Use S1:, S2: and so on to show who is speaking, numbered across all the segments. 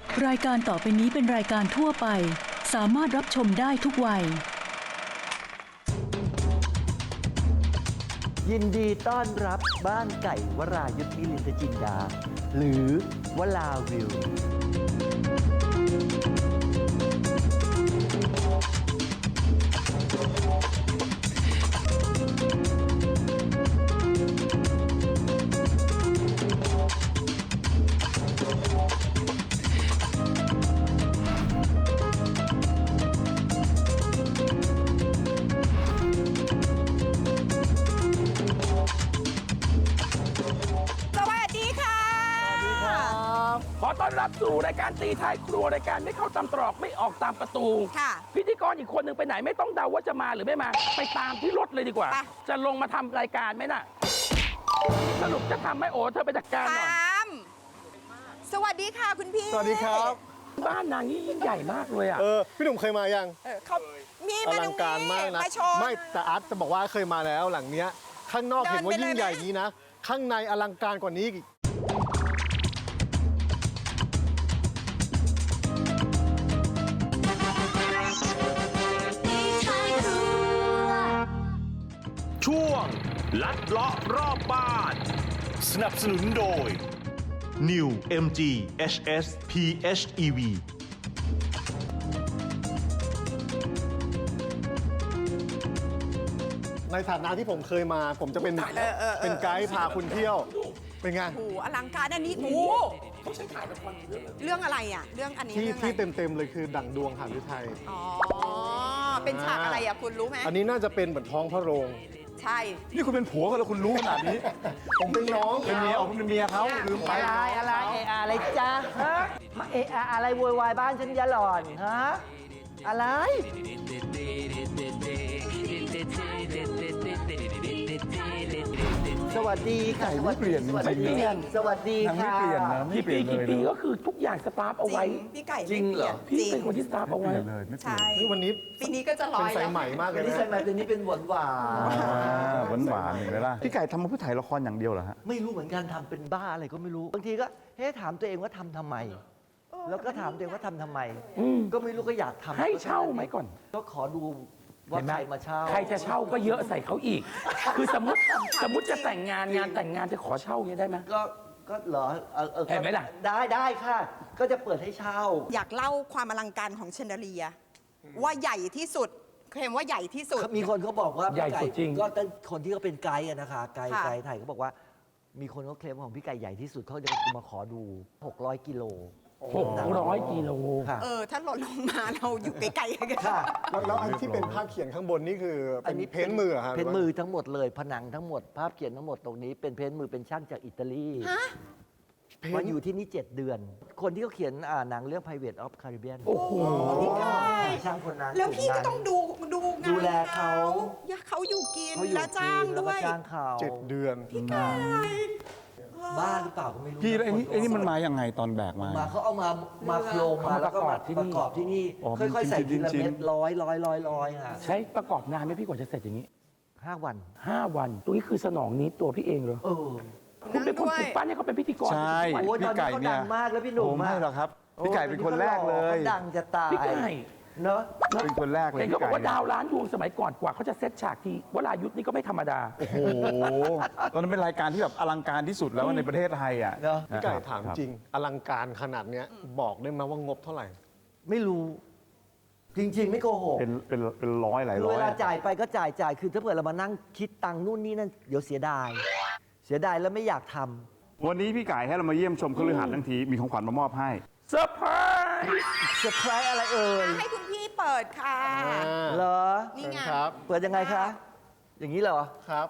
S1: รายการต่อไปนี้เป็นรายการทั่วไปสามารถรับชมได้ทุกวัย
S2: ยินดีต้อนรับบ้านไก่วรายุทธมิลินทจินดาหรือวลาวิว
S3: ขอต้อนรับสู่รายการตีท้ายครัวรายการไม่เข้าตามตรอกไม่ออกตามประตูค่ะพิธีกรอีกคนหนึ่งไปไหนไม่ต้องเดาว่าจะมาหรือไม่มาไปตามที่รถเลยดีกว่าจะลงมาทำรายการไหมน่ะสรุปจะทำไหมโอ้เธอไปจัดการหน่อย
S4: สวัสดีค่ะคุณพี่
S5: สวัสดีครับ
S3: บ้านนางนี่ยิ่งใหญ่มากเลยอ่ะ
S5: พี่หนุ่มเคยมายัง
S4: เขามี
S5: อลังการมากนะไม่แต่อาร์ตจะบอกว่าเคยมาแล้วหลังเนี้ยข้างนอกเห็นว่ายิ่งใหญ่นี้นะข้างในอลังการกว่านี้อีก
S6: ช่วงลัดเลาะรอบบ้านสนับสนุนโดย New MG HS PHEV
S5: ในฐานะที่ผมเคยมาผมจะเป็นไกด์พาคุณเที่ยวเป็นไง
S4: โอ้อลังการอันนี้โอ้เรื่องอะไรอ่ะเรื่องอันนี้
S5: ที่เต็มเลยคือดั่งดวงหฤทัย
S4: อ๋อเป็นฉากอะไรอ่ะคุณรู้ไหม
S5: อันนี้น่าจะเป็นเหมือนท้องพระโรง
S4: ใช่
S5: นี่คุณเป็นผัวกันแล้วคุณรู้ขนาดนี้ผมเป็นน้องเป็นเมียคุณเป็นเมียเขาลืมไป
S2: อะไรอะไรจ๊ะฮะมาอะไรโวยวายบ้านฉันยะหล่อนฮะอะไรสวัสดีค่ะ
S5: ไม่เปลี่ยนจริง
S2: สวัสดีค่ะ
S5: ไม่เปลี่ยนนะไม่เปลี่ยนเลย
S3: ปีก็คือทุกอย่างสตาร์ฟเอาไว้
S4: พี่ไก่
S3: จริงเหรอพี่เป็นคนที่สตาร์ฟเอาไว้
S4: ใช่
S5: วันนี้
S4: ปีนี้ก็จะร้อย
S5: เป็นสายใหม่มากเลยนะ
S2: สายใหม่ปีนี้เป็นหวาน
S7: หวานเห็นไหมล่ะพี่ไก่ทำมาเพื่อถ่ายละครอย่างเดียวเหรอฮะ
S2: ไม่รู้เหมือนกันทำเป็นบ้าอะไรก็ไม่รู้บางทีก็ถามตัวเองว่าทำไมแล้วก็ถามตัวเองว่าทำไมก็ไม่รู้ก็อยากทำ
S3: ให้เช่าไหมก่อน
S2: ก็ขอดูว่าใครมาเช่า
S3: ใครจะเช่าก็เยอะใส่เขาอีกคือสมมติจะแต่งงานแต่งงานจะขอเช่าอย่างนี้ได้ไหม
S2: ก็เหรอ
S3: เห็นไหมล่ะ
S2: ได้ค่ะก็จะเปิดให้เช่า
S4: อยากเล่าความอลังการของเชนเดอเลียว่าใหญ่ที่สุดเคลมว่าใหญ่ที่สุด
S2: มีคนเขาบอกว่า
S3: ใหญ่สุดจริง
S2: ก็คนที่เขาเป็นไกด์นะคะไกด์ไทยเขาบอกว่ามีคนเขาเคลมของพี่ไก่ใหญ่ที่สุดเขาจะมาขอดู600 กิโล
S3: 600 กิโล
S4: ถ้าหล่นลงมาเราอยู่ไกลๆกัน
S5: แล้วอันที่เป็นภาพเขียนข้างบนนี่คือเป็นเพ้นมือครับ
S2: เพ้นมือทั้งหมดเลยผนังทั้งหมดภาพเขียนทั้งหมดตรงนี้เป็นเพ้นมือเป็นช่างจากอิตาลีมาอยู่ที่นี่7 เดือนคนที่เขาเขียนหนังเรื่อง Pirates of Caribbean
S3: โอ้โห
S2: ช่างคนนั้น
S4: แล้วพี่ก็ต้องดู
S2: แลเขา
S4: อยู่กินและจ้างด้วย
S5: 7 เดือน
S4: พี่ไก่
S2: บ้าหรือเปล่าก็ไม่รู้
S7: พี่ไอ้นี่มันมาอย่างไงตอนแบกมา
S2: เขาเอามาโครงมาแล้วก็มาประกอบที่นี่ค่อยๆใส่ทีละเม็ดร้อยค่ะ
S3: ใช้ประกอบนานไหมพี่กว่าจะเสร็จอย่างนี้
S2: 5 วัน
S3: ตรงนี้คือสนองนี้ตัวพี่เองเหรอคุณเป็นคนปลุกปั้นให้เขาเป็นพิธีกร
S7: ใช่พี่ไก่เนี่ย
S2: ดังมากแล้วพี่หนุ่ม
S7: ไม่หรอกครับพี่ไก่เป็นคนแรกเลย
S2: ดังจะตาย
S3: พี่ไก่
S2: เนอะ
S7: เป็นคนแรกเลย
S3: เห็นเขาบอกว่าดาวล้านดวงสมัยก่อนกว่าเขาจะเซตฉากทีวรายุทธนี่ก็ไม่ธรรมดา
S7: โอ้โหตอนนั้นเป็นรายการที่แบบอลังการที่สุดแล้วในประเทศไทยอ่ะ
S5: พี่ไก่ถามจริงอลังการขนาดเนี้ยบอกได้ไหมว่างบเท่าไหร่
S2: ไม่รู้จริงๆไม่โกหก
S7: เป็นร้อยหลายร้อย
S2: เวลาจ่ายไปก็จ่ายคือถ้าเกิดเรามานั่งคิดตังค์นู่นนี่นั่นเดี๋ยวเสียดายแล้วไม่อยากทำ
S7: วันนี้พี่ไก่ให้เรามาเยี่ยมชมคฤหาสน์ทั้งทีมีของขวัญมามอบให้
S3: เซอร์ไพร
S2: ส์อะไรเอ่ย
S4: ให้คุณพี่เปิดค่ะ
S2: เหรอ
S4: นี่ไง
S2: เปิดยังไงคะอย่างนี้เหรอ
S5: ครับ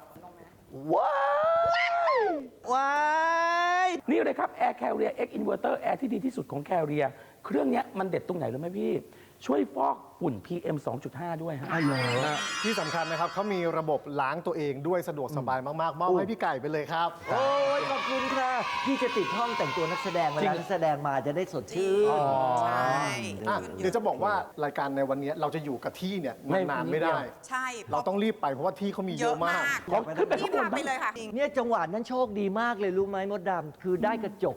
S2: ว้าย
S3: นี่เลยครับ Air Carrier X Inverter Air ที่ดีที่สุดของ Carrier เครื่องนี้มันเด็ดตรงไหนรู้ไหมพี่ช่วยฟอกฝุ่น PM 2.5 ด้วยฮะ
S5: ที่สำคัญนะครับเขามีระบบล้างตัวเองด้วยสะดวกสบายมากๆมอบให้พี่ไก่ไปเลยครับ
S2: โอ้ยขอบคุณค่ะพี่จะติดห้องแต่งตัวนักแสดงเวลานักแสดงมาจะได้สดชื่น
S4: ใช่
S5: เดี๋ยวจะบอกว่ารายการในวันนี้เราจะอยู่กับที่เนี่ยนานไม่ได้
S4: ใช่
S5: เราต้องรีบไปเพราะว่าที่เขามีเยอะมาก
S3: ขึ้นไปข้างบน
S4: ไปเลยค่ะ
S2: เนี่ยจังหวะนั้นโชคดีมากเลยรู้ไหมมดดำคือได้กระจก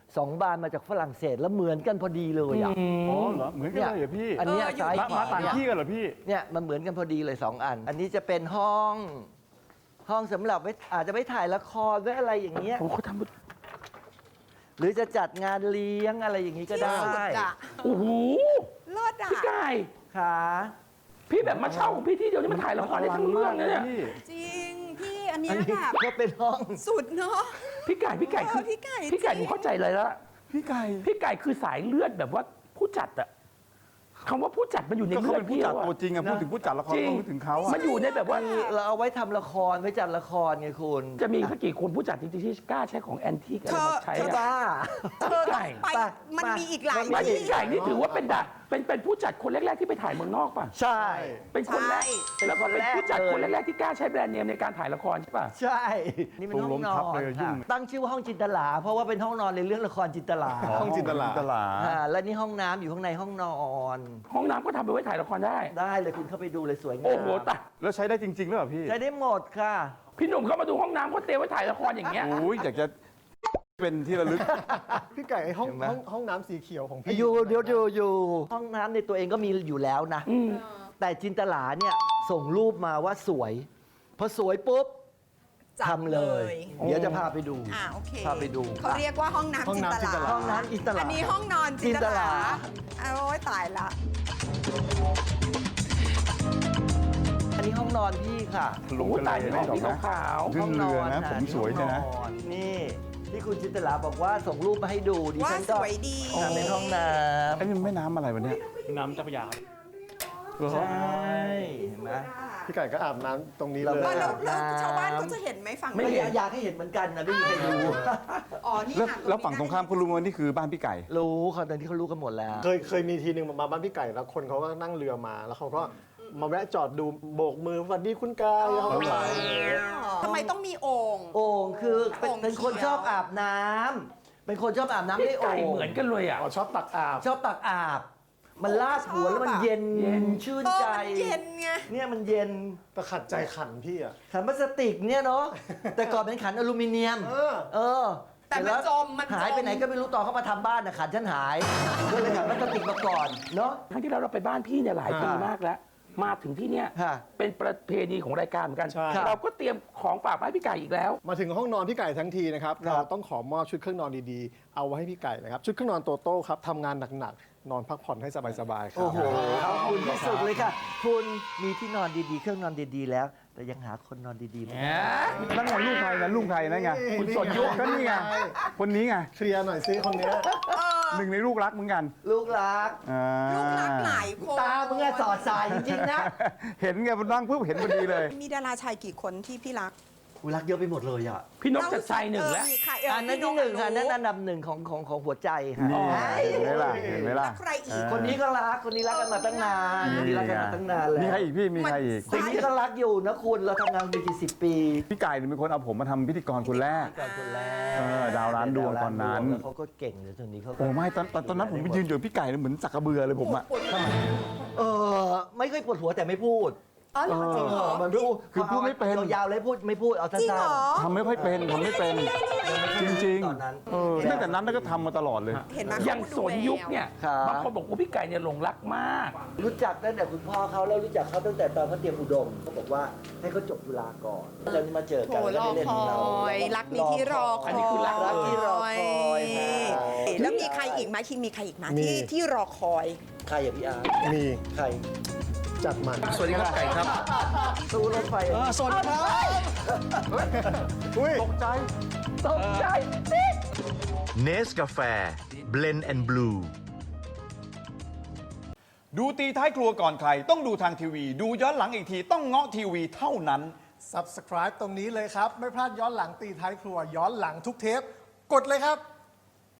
S2: 2 บานมาจากฝรั่งเศสแล้วเหมือนกันพอดีเลยอ่ะ
S7: อ๋อเหรอเหมือนกันเลยเหรอพี่
S2: อันเนี้ยซ้ายขวา
S7: ต่างที่กันเหรอพี่
S2: เนี่ยมันเหมือนกันพอดีเลย 2 อัน อันนี้จะเป็นห้องสำหรับไว้อาจจะไปถ่ายละครไว้อะไรอย่างเงี้ย
S3: โอ้เขาท
S2: หรือจะจัดงานเลี้ยงอะไรอย่างนี้ก็ได้
S4: ที่สุดอะ
S3: ำโอ้โห
S4: เลิศอะ
S3: พี่ไก่
S2: ค่ะ
S3: พี่แบบมาเช่าของพี่ที่เดียวนี่มันถ่ายละครได้ทั้งเรื่องเลยเนี่ย
S4: จริง พี่อันเนี้
S2: อั
S4: ย
S2: นนี้
S4: แบบ
S2: ก็เป็นห้อง
S4: สุดเนาะ
S3: พี่ไก่คือ
S4: พี่ไก่
S3: พี่ไก่
S4: จริง
S3: หนูเข้าใจเลยละ
S7: พี่ไก่
S3: พี่ไก่คือสายเลือดแบบว่าผู้จัดอะคำว่าผู้จัดมันอยู่ใน
S7: ก็เขา
S3: เลือ
S7: เป็
S3: ด
S7: นผู้
S3: พี่
S7: จัด
S3: แล้วอะ
S7: ตัวจริงอะพูดถึงผู้จัดละคร
S3: จริง
S7: ก็พูดถึงเขาอะ
S3: มันอยู่ในแบบว่า
S2: เราเอาไว้ทำละครไว้จัดละครไงคุณ
S3: จะมีสักกี่คนผู้จัดจริงๆที่กล้าใช้ของแอนทีกอะไรมาใช้อะ
S2: บ้า
S4: เธอต้องไป
S2: ไป
S4: มันมีอีกหลาย
S3: ไม่
S4: ที่
S3: พี่ไก่นี่ถือว่าเป็นผู้จัดคนแรกๆที่ไปถ่ายเมืองนอกป่ะ
S2: ใช่
S3: เป็นคนแรก
S4: ใช่
S3: แล้วก็เป็นผู้จัด
S2: เป็น
S3: ค
S2: คน น
S3: แร
S2: แร
S3: ก
S2: ก
S3: ๆที่กล้าใช้แบรนด์เนมในการถ่ายละครใช่ป่ะ
S2: ใช่ นี่เป็นห้องนอนค่ะตั้งชื่อว่าห้องจินตลา เพราะว่าเป็นห้องนอนในเรื่องละครจินตลา
S5: ห้องจินตลา
S2: และนี่ห้องน้ำอยู่ข้างในห้องนอน
S3: ห้องน้ำก็ทำไปไว้ถ่ายละครได้
S2: ได้เลยคุณเข้าไปดูเลยสวยงาม
S3: โอ้โหตาย
S7: แล้วใช้ได้จริงๆหรือเปล่าพี่
S2: ใช้ได้หมดค่ะ
S3: พี่หนุ่มเข้ามาดูห้องน้ำเขาเตรียมไว้ถ่ายละครอย่างเงี้ย
S7: โอ้ยอยากจะเป็นที่ระลึก
S5: พี่ไก่ไอ้ห้อง
S2: เห็นไหม
S5: ห้องน้ำสีเขียวของพี่
S2: อยู่ห้องน้ำในตัวเองก็มีอยู่แล้วนะ แต่จินตลาเนี่ยส่งรูปมาว่าสวย พอสวยปุ๊บ
S4: จับ
S2: ทำเลย เดี๋ยวจะพาไปดู
S4: โอเค
S2: พาไปดู
S4: เขาเรียกว่าห้องน้ำจินตลา
S2: ห้องน้ำจินตลา
S4: อันนี้ห้องนอนจินตลา
S2: จินตลา
S4: โอ้ยตายละ
S2: อันนี้ห้องนอนพี่ค่ะ
S7: ลง
S3: โอ้
S7: ทะ
S3: ตาย
S7: เล
S3: ใน
S7: ไม่
S3: ห้อง
S7: หรอก
S3: สี
S7: นะ
S3: ขาว
S7: ขึ้นเรือนะผมสวยเนี่ยนะ
S2: ห้องอนี่ที่คุณจินตลาบอกว่าส่งรูปมาให้ดูดิ
S4: ว่า
S2: ฉัน
S4: ส
S2: ก็
S4: วยดี
S2: เป็นห้องน้
S7: ไอ้นี่มันแม่น้ำอะไรวะเนี่ย
S2: ำใช่เห็นไหม
S5: พี่ไก่ก็อาบน้ำตรงนี้เลย
S4: แล้วชาวบ้านเขาจะเห็นไหมฝั่ง
S2: ไม่
S4: นี้
S2: อยากให้เห็นเหมือนกันนะไม่มีใครรู้
S4: อ๋อ นี่
S7: แล้ว
S4: ค่ะ
S7: แล้วฝั่งตรงข้ามเขารู้ว่านี่คือบ้านพี่ไก่
S2: รู้เขาตอนที่เขารู้กันหมดแล้ว
S5: เคยมีทีหนึ่งมาบ้านพี่ไก่แล้วคนเขาก็นั่งเรือมา แล้วเขาก็มาแวะจอดดูโบกมือสวัสดีคุณกายเขาก็ไป
S4: ทำไมต้องมีโอ่ง
S2: โอ่งคือเป็น
S4: โอ่ง
S2: เป็นคน
S4: เขียว
S2: ชอบอาบน้ำเป็นคนชอบอาบน้ำ
S3: พี่
S2: ด้วยโอ่
S3: ไก่
S2: ง
S3: เหมือนกันเลยอ่ะ
S5: อ๋อชอบตักอาบ
S2: ชอบตักอาบ มันลาดหัวแล้วมันเย็น
S3: เย็น
S2: ชื่น
S4: เออ
S2: ใจ
S4: มันเย็นไง
S2: เนี่ยมันเย็น
S5: แต่ขัดใจขันพี่อ่ะ
S2: ขันพลาสติกเนี่ยเนาะ แต่ก่อนเป็นขันอลูมิเนียม เออ
S4: แต่มัน
S2: เสร็ล้ว
S4: จมมันจม
S2: หายไปไหนก็ไม่รู้ตอนเขามาทำบ้านนะขันฉันหายก็เลยขันพลาสติกมาก่อนเนาะ
S3: ครั้งที่แล้วเราไปบ้านพี่เนี่ยหลายปี
S2: อ่าม
S3: มากแล้ว มาถึงที่เนี่ย
S2: ค่ะ
S3: เป็นประเพณีของรายการเหมือนกัน
S5: ใช่
S3: เราก็เตรียมของฝากมาให้พี่ไก่อีกแล้ว
S5: มาถึงห้องนอนพี่ไก่ทั้งทีนะครับ
S2: ครับ
S5: เราต้องขอมอบชุดเครื่องนอนดีๆ เอาไว้ให้พี่ไก่นะครับ ชุดเครื่องนอนโตโต้ครับทำงานหนักๆ นอนพักผ่อนให้สบายๆครับ
S2: โอ้โหขอบคุณที่สุดเลยค่ะ คุณมีที่นอนดีๆ เครื่องนอนดีๆ แล้ว แต่ยังหาคนนอนดีๆไม่ได้
S7: นั่นไงลูกใครนะลูกใครนั่นไง
S3: คุณสนยุค
S7: ก็นี่ไง คนนี้ไง
S5: เคลียร์หน่อยซิคนเนี้ย
S7: หนึ่งในลูกรักเหมือนกัน
S2: ลูกรัก
S7: อ่า
S4: ลูกรักหลายคน
S2: ตามึงอะสอดสายจริงๆนะ
S7: เห็นไงมันนั่งปุ๊บเห็นพอดีเลย
S4: มีดาราชายกี่คนที่พี่รัก
S2: กูรักเยอะไปหมดเลยอ่ะ
S3: พี่นกจัดชัยหนึ่งแล้ว
S4: มีใคร
S2: อันนั้นที่หนึ่งค่ะอันนั้นอันดับหนึ่งของหัวใจค่ะ
S7: นี่เห็นไหมล่ะเห็นไหมล่ะ
S4: แล้วใครอีก
S2: คนนี้ก็รัก คนนี้รักกันมาตั้งนานคนนี้รักกันมาตั้งนานแล้ว
S7: มีใครอีกพี่มีใครอีก
S2: คนนี้ก็รักอยู่นะคุณ เราทำงานมากี่สิบปี
S7: พี่ไก่เนี่ยเป็นคนเอาผมมาทำพิธีกรคนแรก
S2: ก่อนคนแรก
S7: ดาวร้านดวงตอนนั้น
S2: แล้วเขาก็เก่งเลยตอนนี้เขาก็
S7: โอ้ไม่ตอนนั้นผมไปยืนอยู่กับพี่ไก่เนี่ยเหมือนสักกระเบือเลยผมอะ
S2: เออไม่เคยปวดหัวแต่ไม่พูด
S4: อ๋อเหรอจริงเหรอ
S2: มันพูด
S7: คือพูดไม่เป็น
S2: ยาวๆเลยพูดไม่พูดเอาสั้
S4: จริง
S2: น
S4: เหรอ
S7: ทำไม่ค่อยเป็นทำไม่เป็น จริง
S2: ตอนนั้น
S7: ๆตั้งแต่นั้นก็ทำมาตลอดเลย
S4: เห็นไหม
S3: อย่างสนยุคเนี่ย
S2: ครับ
S3: บางคนบอกว่าพี่ไก่เนี่ยหลงรักมาก
S2: รู้จักตั้งแต่คุณพ่อเขาแล้วรู้จักเขาตั้งแต่ตอนเขาเตรียมอุดมเขาบอกว่าให้เขาจบจุฬาก่อนแล้วมาเจอ
S4: โถ
S2: กัน
S4: รอ
S2: ได้เล่น
S4: ค
S2: ของเรา
S4: อย รักนี้ที่รอคอย
S3: อันนี้คือรัก
S2: ที่รอคอยค่ะ
S4: แล้วมีใครอีกไหมคิงมีใครอีกไหม
S5: มี
S4: ที่รอคอย
S2: ใครอย่าพี่อาร์ต
S5: มี
S2: ใคร
S5: จัดมัน
S7: สวัสดีครับไก่ครับ
S2: ตู้รถไฟ
S5: สวัสดีครับอุ้ย
S7: ตกใจ
S2: ตกใจ
S6: เนสกาแฟเบลนด์แอนด์บลู
S8: ดูตีท้ายครัวก่อนใคร ต้องดูทางทีวี ดูย้อนหลังอีกทีต้องเงาะทีวีเท่านั้น
S5: Subscribe ตรงนี้เลยครับ ไม่พลาดย้อนหลังตีท้ายครัวย้อนหลังทุกเทป กดเลยครับ